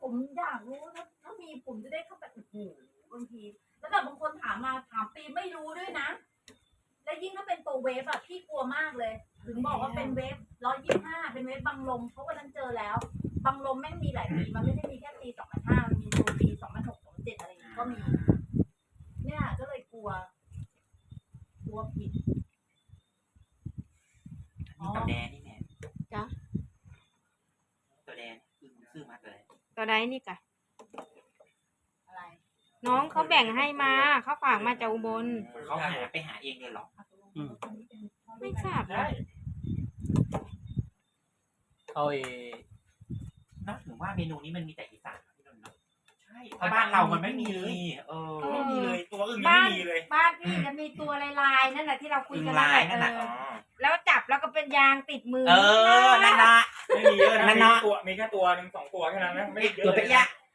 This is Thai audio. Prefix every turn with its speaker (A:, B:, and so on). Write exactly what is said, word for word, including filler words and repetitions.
A: ผมอยากรู้ถ้าถ้ามีผมจะได้เข้าไปโอ้โหบางทีแล้วแบบบางคนถามมาถามปีไม่รู้ด้วยนะและยิ่งถ้าเป็นตัวเวฟอะพี่กลัวมากเลยถึงบอกว่าเป็นเวฟร้อยยี่สิบห้าเป็นเวฟบังลมเพราะวันนั้นเจอแล้วบังลมแม่งมีหลายปีมันไม่ได้มีแค่ปีสองพันห้ามันมีตัวปีสองพันหกสองพันเจ็ดอะไรอย่างนี้ก็มีเนี่ยก็เลยกลัวกลัวผิด
B: นี่ตัวแดงนี่แม่
C: จ้ะ
B: ตัวแดงคือซื้อมาตัวไหน
C: ตัวใดนี่กะ
A: อะไร
C: น้องเขาแบ่งให้มาเขาฝากมาจากอุบล
B: เขาหาไปหาเองเลยเหรอ
D: อืม
C: ไม่ทราบ
D: ใช่
C: นะ
D: เขาเอ
B: นอกถึงว่าเมนูนี้มันมีแต่อีสานพี่นนท์เนาะใช่เพราะบ้านเรามันไม่มีเลยเออไม่มีเลยตัวอื่นยังไม่มีเลย
C: บ้านพี่จะมีตัวลายๆนั่นแหละที่เราคุย
B: อึ่ง
C: กัน
B: ลาย
C: เอ
B: นั่นแหละ
C: อ
B: อ๋อ
C: แล้วจับแล้วก็เป็นยางติดมือ
B: เออนั่นละ
D: ไม่มีเยอะนะ
B: มัน
D: มี
B: เนาะ
D: ตัวมีแค่ตัวหนึ่งสองตัวแค่นั้นนะไม่ได้เยอะ
B: ตัว
D: เล
B: เปี
D: ย
B: ยะ